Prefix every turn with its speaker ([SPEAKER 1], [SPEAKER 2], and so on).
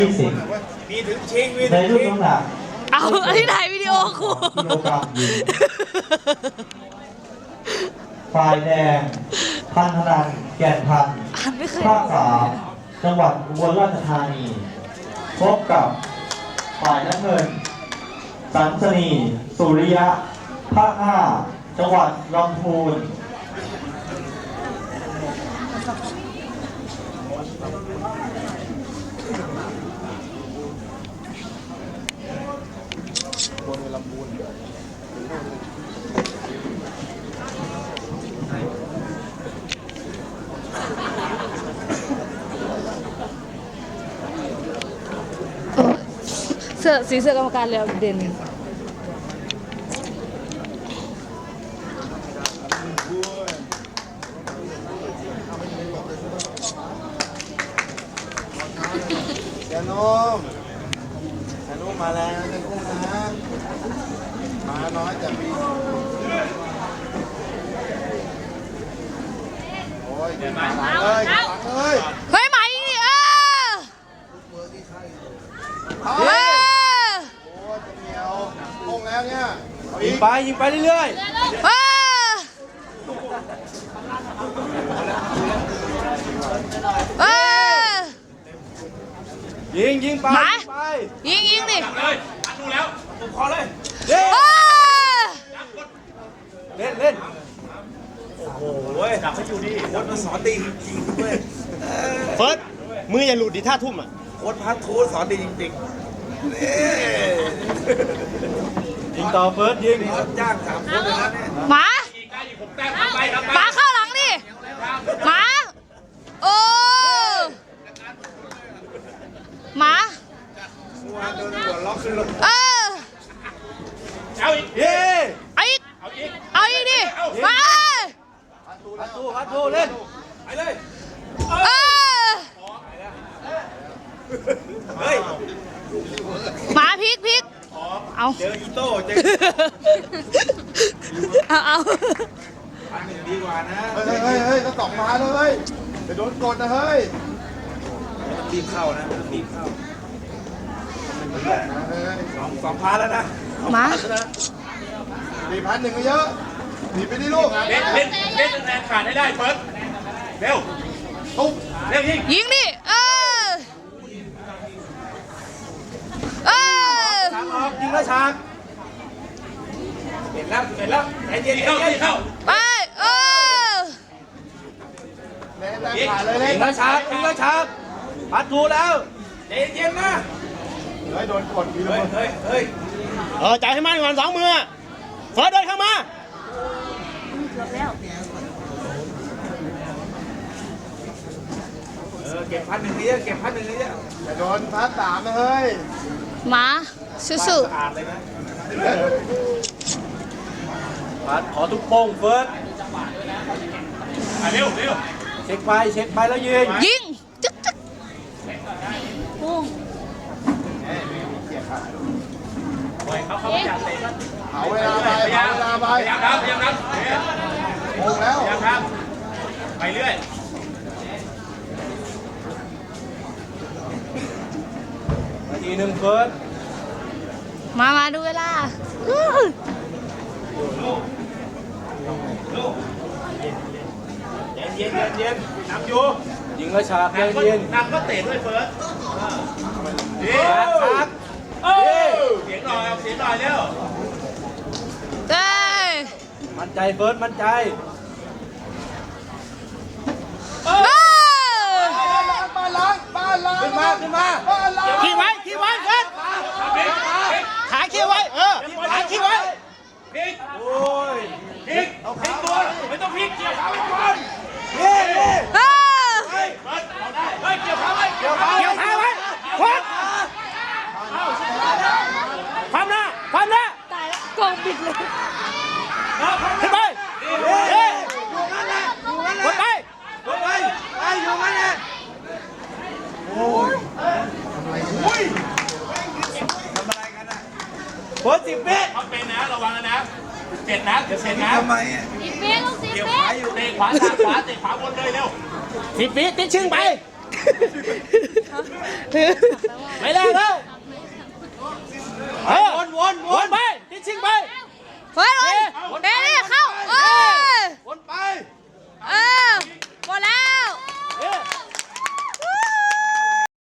[SPEAKER 1] มีถึงชิงมี
[SPEAKER 2] ใน
[SPEAKER 1] ถึง
[SPEAKER 2] รุ่น
[SPEAKER 1] ชิง
[SPEAKER 2] น้ำหนัก
[SPEAKER 3] เอาอันนี้ถ่ายวิดีโอครู
[SPEAKER 2] กิโลกรัมหญิงฝ่ายแดงพันธนันแก่นพันธ์
[SPEAKER 3] อ่านไม่เคย
[SPEAKER 2] ภาค3จังหวัดอุบลราชธานีพบกับฝ่ายน้ำเงินสันสนีสุริยะภาค5จังหวัดลำพูน
[SPEAKER 3] เสื้อสีเสื้อกรรมการแล้วเด่น
[SPEAKER 1] เสียนุ่มมาแล้วเสียนุ่มนะมาน้อยจะมีโอ้ยมาหลังเลยหลังเลย
[SPEAKER 3] เฮ้ยไหมนี่
[SPEAKER 1] โอ้ยจะเหนียวลงแล้วเนี่ยยิงไปเรื่อยยิงไป
[SPEAKER 3] ยิงดิ
[SPEAKER 1] เลยดูแล้วผมขอเลยเล่นโอ้โหดับให้อยู่ดิโค้ชมาสอนดีจริงๆด้วย
[SPEAKER 4] เฟิร์สมืออย่าหลุดดิท่าทุ่มอ่ะ
[SPEAKER 1] โค้ชพักโค้ชสอนดีจริงๆ
[SPEAKER 4] ยิงต่อเฟิร์สยิง
[SPEAKER 1] จ้าง3 คนเลยนะเนี่ย
[SPEAKER 3] หมาหมาเข้าหลังดิหมาโอ้หมา
[SPEAKER 1] โดนหัวล็อกขึ้นลง
[SPEAKER 4] เอาอีก
[SPEAKER 3] เอาอีกดิมา
[SPEAKER 4] พัดทูเล่น
[SPEAKER 1] ไปเลย
[SPEAKER 3] เฮ้ยหมาพลิกเอา
[SPEAKER 1] เจออีโต้เจอ
[SPEAKER 3] เอา
[SPEAKER 1] อันหนึ่งดีกว่านะเฮ้ยต้องตอกมาเลยจะโดนกดนะเฮ้ยรีบเข้านะรีบเข้าสองพันแล้วนะ
[SPEAKER 3] มา
[SPEAKER 1] 4,100ก็เยอะหนีไปดิลูก
[SPEAKER 4] เล่นแรงขาดให้ได้เฟิร์สเร็ว
[SPEAKER 1] ตุ๊บ
[SPEAKER 4] เร็ว
[SPEAKER 3] ยิงดิ
[SPEAKER 4] ฉากออกยิงแล้วฉาก
[SPEAKER 1] เห็นแล้วใจเย็น
[SPEAKER 4] เข้า
[SPEAKER 3] ไป
[SPEAKER 1] แรงขาดเลย
[SPEAKER 4] ยิงแล้วฉากพัดทูแล้ว
[SPEAKER 1] ใจเย็นนะเฮ้ยโดนกดพี่เลยเฮ้ย
[SPEAKER 4] จ่ายให้มันก่อน2 มือเฟิร์สเดินเข้ามา
[SPEAKER 1] เก็บ1,000นี้เก็บ1,000นี้จะโดนพัด3นะเฮ้ย
[SPEAKER 3] มาสู้
[SPEAKER 1] อ่านเลยนะ
[SPEAKER 4] พัดขอทุกโป้งเฟิร์สเร็วเช็คไปแล้ว
[SPEAKER 3] ยิงจึ๊กโป้ง
[SPEAKER 1] เอาเวลาไป
[SPEAKER 4] พยายามนับ
[SPEAKER 1] โมงแล้ว
[SPEAKER 4] ไปเรื่อยที1เฟิร์ส
[SPEAKER 3] มาดูเวลา
[SPEAKER 4] เย็นนับอยู่ยิงแล้วฉากเย็น
[SPEAKER 1] นับก็เตะด้วยเฟิร์ส
[SPEAKER 4] ฉาก
[SPEAKER 1] เสียงหน่อยเร็ว
[SPEAKER 4] มั่นใจเฟิร์สมั่นใจ
[SPEAKER 1] บ้านล้าง
[SPEAKER 4] ขึ้นมาขี้ไว้เฟิร์สขาขี้ไว้ขาขี้ไว้
[SPEAKER 1] พลิกโอ้ยพลิกเอาพลิกตัวไม่ต้องพลิกเกี่ยวขาไว้ก่อนเฮ้ยเกี่ยวขาไว้
[SPEAKER 4] เฟิร์สความหน้า
[SPEAKER 3] ตายแล้วกองบิดเลย
[SPEAKER 4] ขึ้นไปกดไป
[SPEAKER 1] อยู่งั้นแหละโอ้ยทำอะไรกันนะ
[SPEAKER 4] เฟิร์ส10 เมตร
[SPEAKER 1] เขาเป็นนะระวังนะ7 นะเดี๋ยว7 นะ
[SPEAKER 3] 10 เมตรลูก10 เมตร
[SPEAKER 1] เตะขวาเตะขวาบนเลยเร็ว
[SPEAKER 4] 10 เมตรติดชึ่งไปไม่ได้แล้ววนไปทิ้งไป
[SPEAKER 3] เฮ้ยเฮ้ยเดี๋ยว